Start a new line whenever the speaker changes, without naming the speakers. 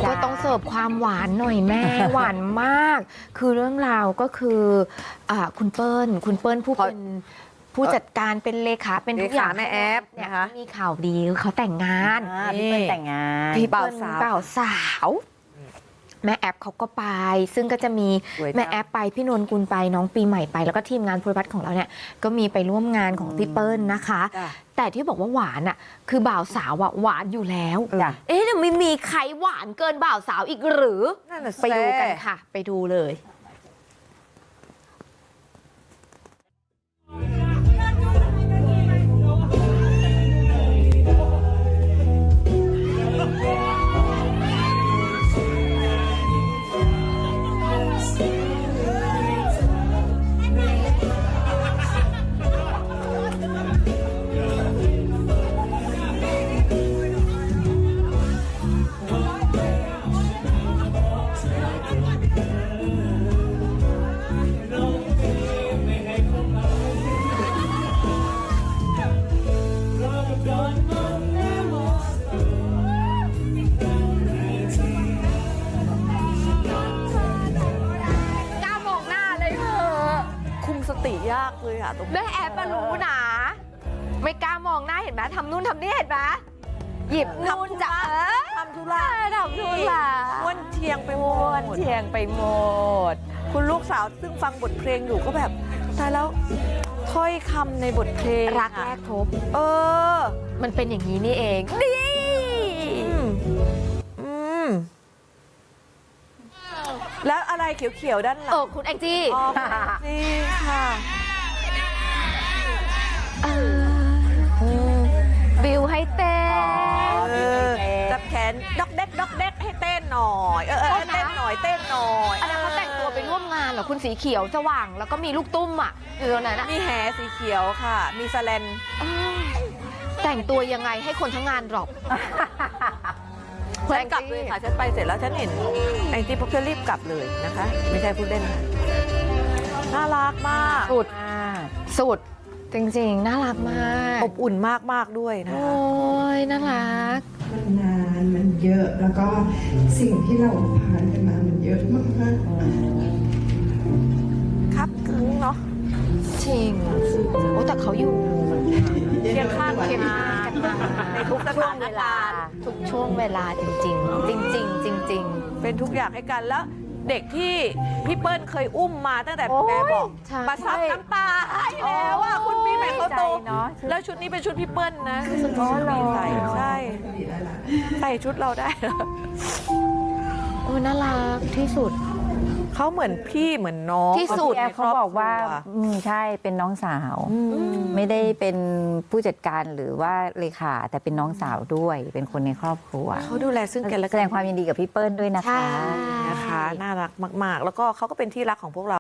ก็ต้องเสิร์ฟความหวานหน่อยแม่ หวานมาก คือเรื่องราวก็คือคุณเปิ้ลผู้เป็นผู้จัดการเป็นเลขาเป็นทุกอย่าง
แม่แอฟนะคะ
มีข่าวดีเขาแต่งงาน
พี่เปิ้ลแต่งงาน
พี่เปิ้ลบ่าวสาวแม่แอปเขาก็ไปซึ่งก็จะมีแม่แอปไปพี่นนกุลไปน้องปีใหม่ไปแล้วก็ทีมงานโพลิพัทของเราเนี่ยก็มีไปร่วมงานของพี่เปิ้ลนะคะ แต่ที่บอกว่าหวานอ่ะคือบ่าวสาวหวานอยู่แล้วเอ๊ะแต่ไม่มีใครหวานเกินบ่าวสาวอีกหรือไปดูกันค่ะไปดูเลย
สติยากเลยอะตรง
แม่แอปมารู้นะไม่กล้ามองหน้าเห็นไหมทำนู่นทำนี่เห็นไหมหยิบนู่นจะ
ทำธุระ
ทำนู่นล่ะ
ม้วนเทียงไปหมด
เทียงไปหมด
คุณลูกสาวซึ่งฟังบทเพลงอยู่ก็แบบตายแล้วถ้อยคำในบทเพลง
รักแรกพบมันเป็นอย่างนี้นี่เองดี
แล้วอะไรเขียวๆด้านหลัง
คุณแองจี้
นี่ค่ะ
บิวให้เต้น
จับแขนดอกเด็กดอกเด็กให้เต้นหน่อยเต้นหน่อยเต้นหน่อย
อันนั้นเขาแต่งตัวไปร่วมงานเหรอคุณสีเขียวสว่างแล้วก็มีลูกตุ้มอ่ะอยู่ตรงนั้น
มีแหสีเขียวค่ะมีสแลน
แต่งตัวยังไงให้คนทั้งงานหรอก
ฉันกลับเลยค่ะฉันไปเสร็จแล้วฉันเห็นแองจี้พวกเธอรีบกลับเลยนะคะไม่ใช่พูดเล่นน่ารักมาก
สุดจริงๆน่ารักมาก
อบอุ่นมากๆด้วยนะ
โอ้ยน่ารัก
นานมันเยอะแล้วก็สิ่งที่เราผ่านกันมามันเยอะมาก
ๆครับกึ้งเนาะ
จริงโอ้แต่เขาอยู่
เคียงข้างกันมาในทุกช่วงเวลา
ทุกช่วงเวลาจริงๆจริงๆจริงๆ
เป็นทุกอย่างให้กันแล้วเด็กที่พี่เปิ้ลเคยอุ้มมาตั้งแต่แม่บอกมาซับน้ำตาให้แล้วว่าคุณปีใหม่เขาโตแล้วชุดนี้เป็นชุดพี่เปิ้ลนะรู้สึกว่าใส่ใส่ชุดเราได้
โอ้น่ารักที่สุด
เขาเหมือนพี่เหมือนน้อง
ที่สุด
เขาบอกว่าใช่เป็นน้องสาวไม่ได้เป็นผู้จัดการหรือว่าเลขาแต่เป็นน้องสาวด้วยเป็นคนในครอบครัว
เขาดูแลซึ่งกันและกัน
แสดงความยินดีกับพี่เปิ้ลด้วยนะคะ
น่ารักมากๆแล้วก็เขาก็เป็นที่รักของพวกเรา